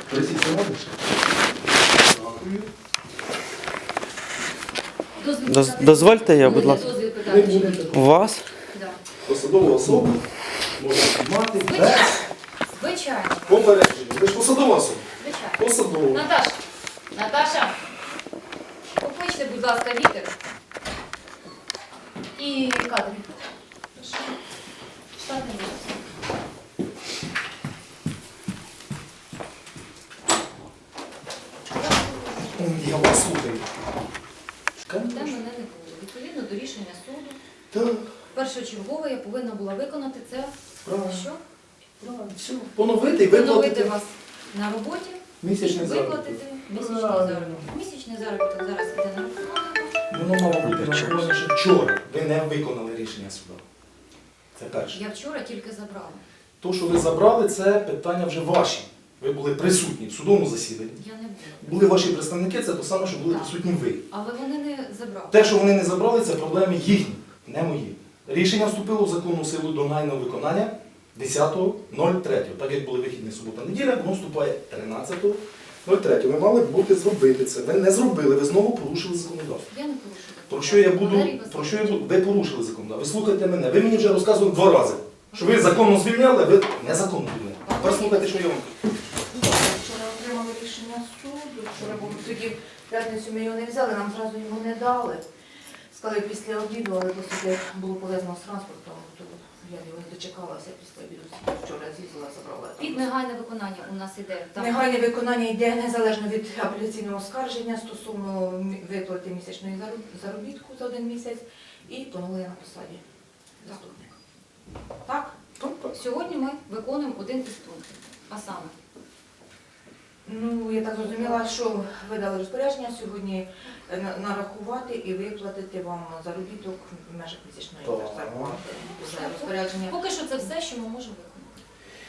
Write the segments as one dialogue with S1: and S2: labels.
S1: Присідьте можеш? Дякую.
S2: Дозвольте я, будь ласка.
S3: Дозвіл
S1: Ви
S3: питати.
S1: будете
S2: У вас?
S3: Да.
S1: посадову особу можна знімати без
S3: Звичайно.
S1: попередження. Ви ж посадова особа.
S3: Звичайно.
S1: Посадова.
S3: Наташа, покличте, будь ласка, Вітер. І кадри. Штатний випуск.
S1: Я вас слухаю.
S3: Де мене не було. Відповідно до рішення суду,
S1: Так,
S3: першочергово я повинна була виконати це.
S1: правильно.
S3: Що?
S1: Правильно, все. Поновити і
S3: Поновити
S1: виплатити
S3: вас на роботі,
S1: місячний
S3: виплатити
S1: заробіток.
S3: місячний
S1: Правильно.
S3: заробіток. Місячний заробіток зараз іде на рахунок.
S1: Воно мало бути нараховане ще вчора. Ви не виконали рішення суду. Це перше.
S3: Я вчора тільки забрала.
S1: То, що ви забрали, це питання вже ваші. Ви були присутні в судовому засіданні.
S3: Я не була.
S1: Були ваші представники, це те саме, що були
S3: Так.
S1: присутні ви.
S3: Але вони не забрали.
S1: Те, що вони не забрали, це проблеми їхні, не мої. Рішення вступило в законну силу до негайного виконання 10.03. Так як були вихідні субота-неділя, воно вступає 13.03. Ви мали бути зробити це. Ви не зробили, ви знову порушили законодавство.
S3: Я не порушила.
S1: Про що я буду? Ви порушили законодавство. Ви слухайте мене. Ви мені вже розказували 2 рази, що ви законно звільняли, а ви незаконно звільняли. Тепер слухайте, що я вам кажу.
S4: Вчора отримали рішення суду, вчора був тоді в п'ятницю ми його не взяли, нам зразу його не дали. Сказали після обіду, але оскільки було пов'язано з транспортом, то я його не дочекалася після обіду. Вчора з'їздила, забрала.
S3: Під негайне виконання у нас іде. Так.
S4: Негайне виконання йде незалежно від апеляційного оскарження стосовно виплати місячної заробітку за 1 місяць і поновлення на посаді заступника. Так?
S3: Сьогодні ми виконуємо один із пунктів. А саме,
S4: Ну, я так зрозуміла, що ви дали розпорядження сьогодні нарахувати і виплатити вам заробіток в межах місячної
S1: Так.
S4: зарплати. Вже розпорядження.
S3: поки що це все, що ми можемо виконати.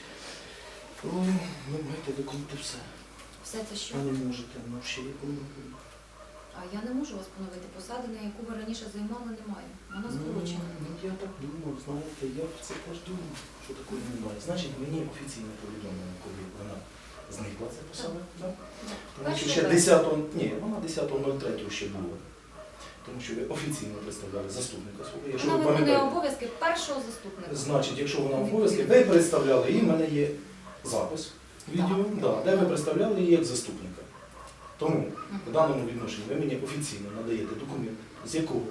S1: Ви маєте виконати все.
S3: Все це що?
S1: Ви не можете, ну ще виконувати.
S3: А я не можу вас поновити. Посади, на яку ви раніше займали, немає. Вона скорочена.
S1: Ну, я так думав, знаєте, я про це теж думав, що такої немає. Значить, мені офіційно повідомлено, коли вона зникла, ця посада. Так? Тому що ще 10-го, ні, вона 10.03 ще була. Тому що ви офіційно представляли заступника свого. Якщо
S3: Вона
S1: ви
S3: виконує
S1: пам'ятаєте,
S3: обов'язки першого заступника.
S1: значить, якщо вона в обов'язки, ви представляли її, в мене є запис відео, да, де ви представляли її як заступника. Тому в даному відношенні ви мені офіційно надаєте документ, з якого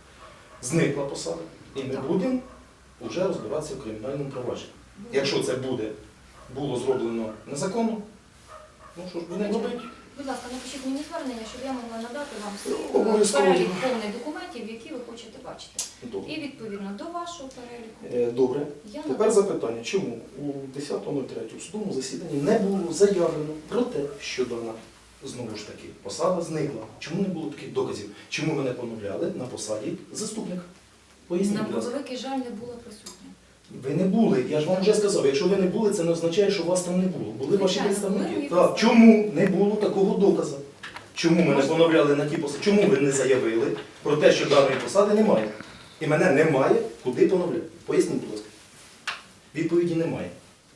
S1: зникла посада, і ми
S3: Так.
S1: будемо вже розбиратися в кримінальному провадженні. Якщо це було зроблено незаконно, ну що ж будемо робити?
S3: Будь ласка, напишіть мені звернення, щоб я могла надати вам
S1: Обов'язково.
S3: перелік повний документів, які ви хочете бачити.
S1: Добре.
S3: І відповідно до вашого переліку
S1: Добре.
S3: я
S1: Тепер
S3: надам.
S1: запитання, чому у 10.03 у судовому засіданні не було заявлено про те, що дана, знову ж таки, посада зникла? Чому не було таких доказів? Чому мене поновляли на посаді заступника? Поясніть,
S3: На
S1: будь ласка.
S3: превеликий жаль не була присутня.
S1: Ви не були, я ж вам вже сказав, якщо ви не були, це не означає, що вас там не було. Були ваші
S3: Звичайно,
S1: представники.
S3: були і
S1: Так. Чому не було такого доказу? Чому мене поновляли на ті посади? Чому ви не заявили про те, що даної посади немає? І мене немає, куди поновляти? Поясніть, будь ласка. Відповіді немає.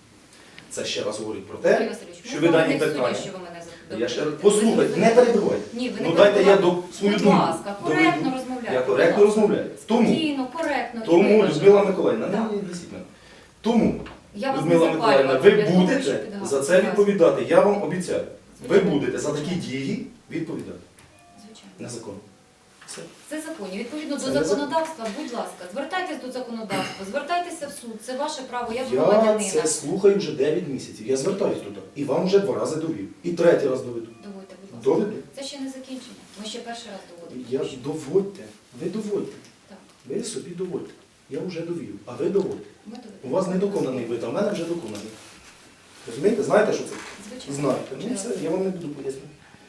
S1: Це ще раз говорить про
S3: Юрій
S1: те,
S3: Васильович,
S1: що
S3: ми
S1: ви
S3: з вами
S1: дані
S3: не в суді,
S1: питання.
S3: що ви мене
S1: Я ще раз
S3: запитуєте.
S1: послухайте, не перебивайте.
S3: Ні, ви не
S1: Ну дайте я
S3: перебивайте.
S1: свою
S3: Будь
S1: думку
S3: ласка, коректно
S1: доведу.
S3: розмовляйте.
S1: Я
S3: будь
S1: коректно
S3: ласка.
S1: розмовляю. Тому,
S3: Спокійно, коректно.
S1: Людмила Миколаївна,
S3: Так.
S1: не висіть мене. Тому,
S3: Я вас не
S1: Людмила Миколаївна,
S3: запалювала
S1: ви
S3: для того, щоб
S1: будете
S3: підгадати.
S1: за це відповідати. Я вам обіцяю. Ви
S3: Звичайно.
S1: будете за такі дії відповідати.
S3: Звичайно.
S1: Незаконно. Все.
S3: Це законні. Відповідно
S1: Це
S3: до
S1: не
S3: законодавства, будь ласка, звертайтесь до законодавства, звертайтеся в суд. Це ваше право, як
S1: Я
S3: громадянина.
S1: це слухаю вже 9 місяців. Я звертаюсь туди. І вам вже 2 рази довів. І 3-й раз доведу.
S3: Доводьте, будь ласка.
S1: Доведу.
S3: Це ще не закінчення. Ми ще перший раз доводимо.
S1: Я ж доводьте. Ви доводьте.
S3: Так,
S1: Ви собі доводьте. Я вже довів, а ви доводьте.
S3: ми доведемо.
S1: У вас недоконаний вид, а в мене вже доконаний. Розумієте? Знаєте, що це?
S3: Звичайно.
S1: Знаєте. Ну це я вам не буду пояснювати.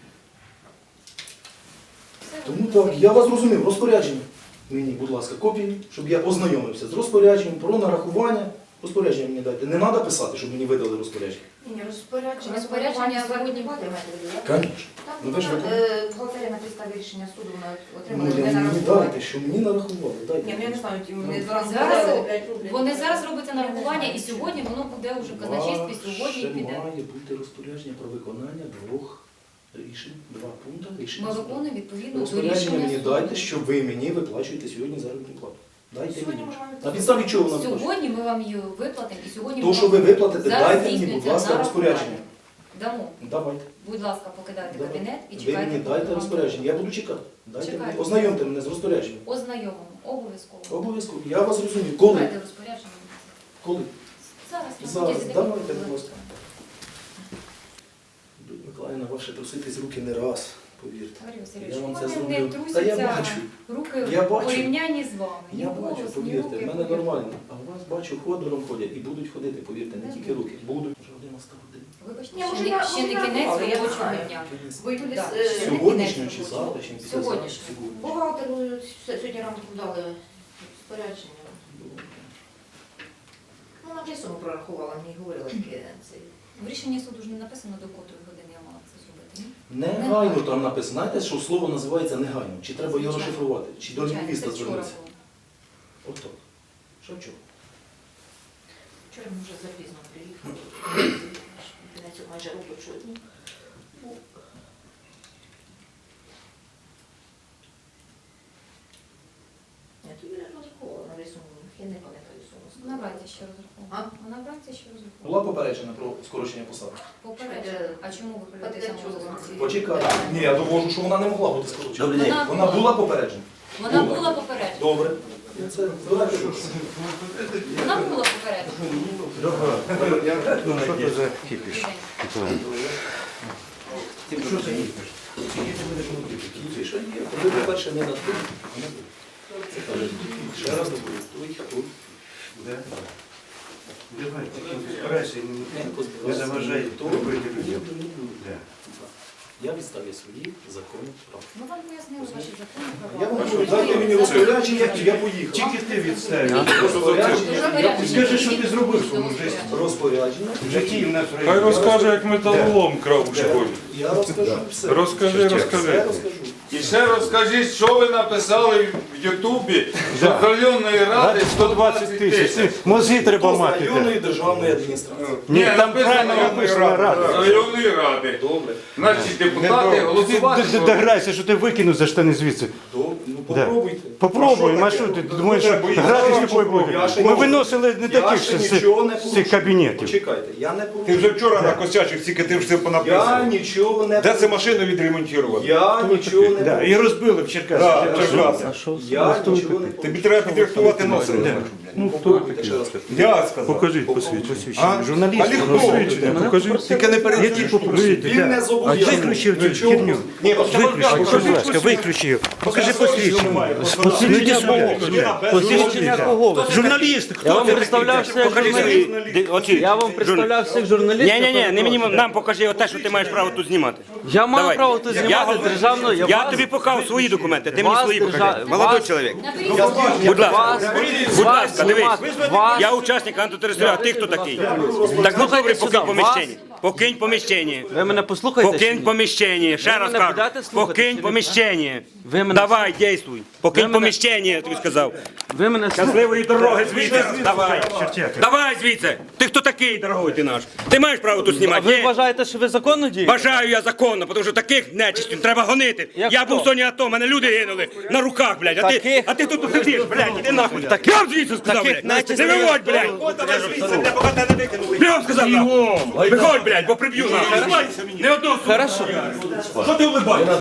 S3: Все
S1: Тому
S3: ви
S1: так,
S3: розумієте.
S1: я вас зрозумів. Розпорядження. Мені, будь ласка, копії, щоб я ознайомився з розпорядженням про нарахування Розпорядження мені дайте. Не треба писати, щоб мені видали розпорядження.
S4: Ні, розпорядження
S3: Розпорядження
S4: сьогодні
S3: сьогодні.
S4: Звісно.
S1: Звісно. Ну, ви ж
S4: Бухгалтерія на підставі рішення суду вона
S1: Ну,
S4: отримала не
S1: мені
S4: нарахування.
S1: дайте, що мені нарахували. Дайте.
S4: Ні, ну я не знаю, вони
S3: Зараз
S4: зразу
S3: Вони зараз робиться нарахування, і сьогодні воно буде вже в казначействі, сьогодні
S1: Ще
S3: піде.
S1: має бути розпорядження про виконання 2 рішень, 2 пункти рішення.
S3: Ми
S1: суду.
S3: виконуємо відповідно до
S1: Розпорядження
S3: рішення
S1: мені
S3: суду.
S1: дайте, що ви мені виплачуєте сьогодні заробітну плату. Дайте
S4: Сьогодні
S1: мені.
S4: можемо
S1: На підставі чого вона виплачує?
S3: Сьогодні ми вам її виплатимо, і сьогодні
S1: То,
S3: ми
S1: що ви
S3: вам
S1: виплатите,
S3: зараз
S1: дайте мені, будь
S3: здійснюється
S1: ласка,
S3: нарахування.
S1: розпорядження.
S3: Дамо.
S1: Давайте.
S3: Будь ласка, покидайте
S1: Давайте.
S3: кабінет і
S1: Ви
S3: чекайте.
S1: мені
S3: поки
S1: дайте
S3: вам
S1: розпорядження. Я буду чекати. Дайте
S3: Чекайте.
S1: мені. Ознайомте мене з розпорядженням.
S3: Ознайомимо. Обов'язково.
S1: Обов'язково. Я вас розумію. Коли?
S3: Дайте розпорядження.
S1: Коли?
S3: Зараз. на
S1: Зараз.
S3: протязі
S1: Давайте,
S3: декількох
S1: будь ласка. Людмила Миколаївна, ваше труситись руки не раз, повірте.
S3: Марія
S1: Я
S3: Васильович,
S1: вам
S3: у
S1: це
S3: мене не
S1: зроблю. Та я
S3: трусяться
S1: бачу.
S3: руки
S1: Я
S3: в
S1: бачу.
S3: порівнянні з вами. Ні
S1: Я
S3: голос,
S1: бачу,
S3: ні
S1: повірте,
S3: руки,
S1: в мене
S3: повірте.
S1: нормально. А у вас бачу, ходором ходять і будуть ходити, повірте, не
S3: Не
S1: тільки
S3: будуть.
S1: руки. Будуть. Вже 11 годин.
S3: Вибачте,
S4: Ні,
S3: ще
S4: може,
S3: не-
S4: я-
S3: ще не
S4: може,
S3: кінець
S4: але я
S3: робочого
S4: знаю.
S3: дня.
S4: вийдуть
S3: Да.
S4: з
S1: Сьогоднішнього чи завтрашнього?
S3: Сьогоднішнього.
S1: Сьогодні.
S4: бухгалтеру сьогодні ранку дали розпорядження. Ну, вона вже суму прорахувала, мені говорила таке.
S3: В рішенні суду ж не написано, до котрої години я мала це зробити, ні?
S1: Негайно там написано. Знаєте, що слово називається негайно? Чи треба його
S3: Звичайно.
S1: розшифрувати? Чи до
S3: Звичайно,
S1: лінгвіста
S3: це вчора
S1: звернутися?
S3: було.
S1: Отак. Що вчора?
S4: Вчора ми вже запізно приїхали. На цю майже робочого дня. Ні, то Юля розраховувала на рисунку. Я не пам'ятаю суму.
S3: Вона вранці ще розраховувала.
S4: А?
S3: Вона вранці ще розраховувала.
S1: Була попереджена про скорочення посади?
S3: Попередньо. А чому ви прийдете самого?
S1: Почекайте. Ні, я довожу, що вона не могла бути скорочена.
S2: Добрий день.
S1: Вона була попереджена?
S3: Вона була попереджена.
S1: Добре. Це давайте.
S3: Вона була попереджена.
S2: Що це за кіпіш?
S1: Що це є? Що є? Ви, по-перше, не над тим, а не ви. Це каже, ще раз добре. Той,
S2: Давай, старайся, не заважай робити людям.
S1: Я відставлю свої законні права.
S3: Ми вам пояснили ваші закони
S1: Я
S3: права.
S1: вам кажу, дайте мені розпорядження, я поїхав.
S2: Тільки ти відставиш.
S1: Розпорядження,
S2: Скажи, що ти зробив в своєму житті.
S1: розпорядження.
S2: В житті в нас в
S5: Хай
S2: районі.
S5: розкаже, як металолом крав у школі.
S1: Я розкажу все.
S5: Розкажи,
S1: Все
S5: розкажи.
S1: розкажу.
S5: І ще розкажіть, що ви написали в Ютубі, що з районної ради
S2: 120 тисяч. Мозги треба
S1: Хто з
S2: мати.
S1: районної державної адміністрації?
S2: Ні, там правильно написано рада.
S5: З районної ради.
S1: Добре.
S5: Значить, депутати голосувати.
S2: Дограйся, що ти викинув за штани звідси.
S1: Добре. Ну попробуйте.
S2: Попробуй, а
S1: таке?
S2: що ти
S1: Ну,
S2: думаєш,
S1: ну,
S2: що
S1: треба,
S2: грати з
S1: я
S2: тобою
S1: попробую.
S2: буде?
S1: Я ще
S2: Ми
S1: не-
S2: виносили не
S1: Я
S2: таких
S1: ще
S2: з
S1: нічого не
S2: цих
S1: порушую.
S2: кабінетів.
S1: Почекайте, я не
S5: Ти
S1: порушую.
S5: вже вчора накосячив, тільки ти все
S1: Я
S5: понаписав.
S1: нічого не
S5: Де це
S1: порушую.
S5: машину відремонтувати?
S1: Я нічого не
S2: Да,
S1: порушую.
S2: і розбили в Черкасах.
S5: Да, Черкаси.
S1: Я нічого не
S5: Тобі
S1: порушую.
S5: треба підрихтувати носом.
S2: Ну,
S1: Попробуйте ще раз.
S5: Я сказав.
S2: Покажіть посвідчення. Журналіст,
S5: А легко.
S2: посвідчення. Покажіть.
S5: Тільки не перед
S2: Які попросити?
S1: Він не зобов'язаний.
S2: Виключив цю
S1: Нічого.
S2: херню.
S1: Ні,
S2: Виключи, будь ласка, виключи його. Покажи посвідчення. Посвідчення кого? Журналіст,
S6: Я
S2: хто
S6: вам
S2: це
S6: представляв
S2: такий?
S6: всіх журналістів. Я вам представляв всіх журналістів.
S7: Ні, не мені нам покажи те, що ти маєш право тут знімати.
S6: Я маю
S7: Давай.
S6: право тут знімати державну.
S7: Я тобі покажу свої документи, ти мені
S6: вас
S7: свої покажи.
S6: держа-
S7: Молодой
S6: вас-
S7: чоловік.
S3: Наберіть.
S7: Будь ласка,
S6: Вас,
S7: будь
S6: вас
S7: ласка, дивись.
S6: знімати. Вас.
S7: Я учасник антитерористичного, а ти хто такий? Так ну
S6: Слухайте
S7: добре,
S6: сюди,
S7: покинь поміщення. Покинь поміщення.
S6: Ви мене послухайте? чи
S7: Покинь
S6: ні?
S7: поміщення. Ще
S6: Ви
S7: раз
S6: мене
S7: кажу.
S6: будете слухати, чи
S7: Покинь
S6: ні?
S7: поміщення.
S6: Ви мене-
S7: Давай, дійствуй. Покинь
S6: Ви мене-
S7: поміщення, я тобі сказав.
S6: Ви мене
S7: Щасливої дороги звідси. Давай. Давай звідси. Ти хто такий, дорогой ти наш? Ти маєш право тут
S6: А
S7: знімати?
S6: ви
S7: Ні?
S6: вважаєте, що ви законно дієте?
S7: Бажаю я законно, тому що таких нечистів треба гонити.
S6: Як
S7: Я
S6: хто?
S7: був в зоні АТО, мене люди гинули на руках, блядь.
S6: Таких?
S7: А ти тут сидиш, блядь, іди нахуй. Прям звідси сказав,
S6: таких
S7: блядь.
S6: нечистих-
S7: Не виводь, блядь. Прям сказав, нахуй. Виходь, блядь, бо приб'ю нахуй. Не одного.
S6: Хорошо.
S7: Що ти улибаєшся?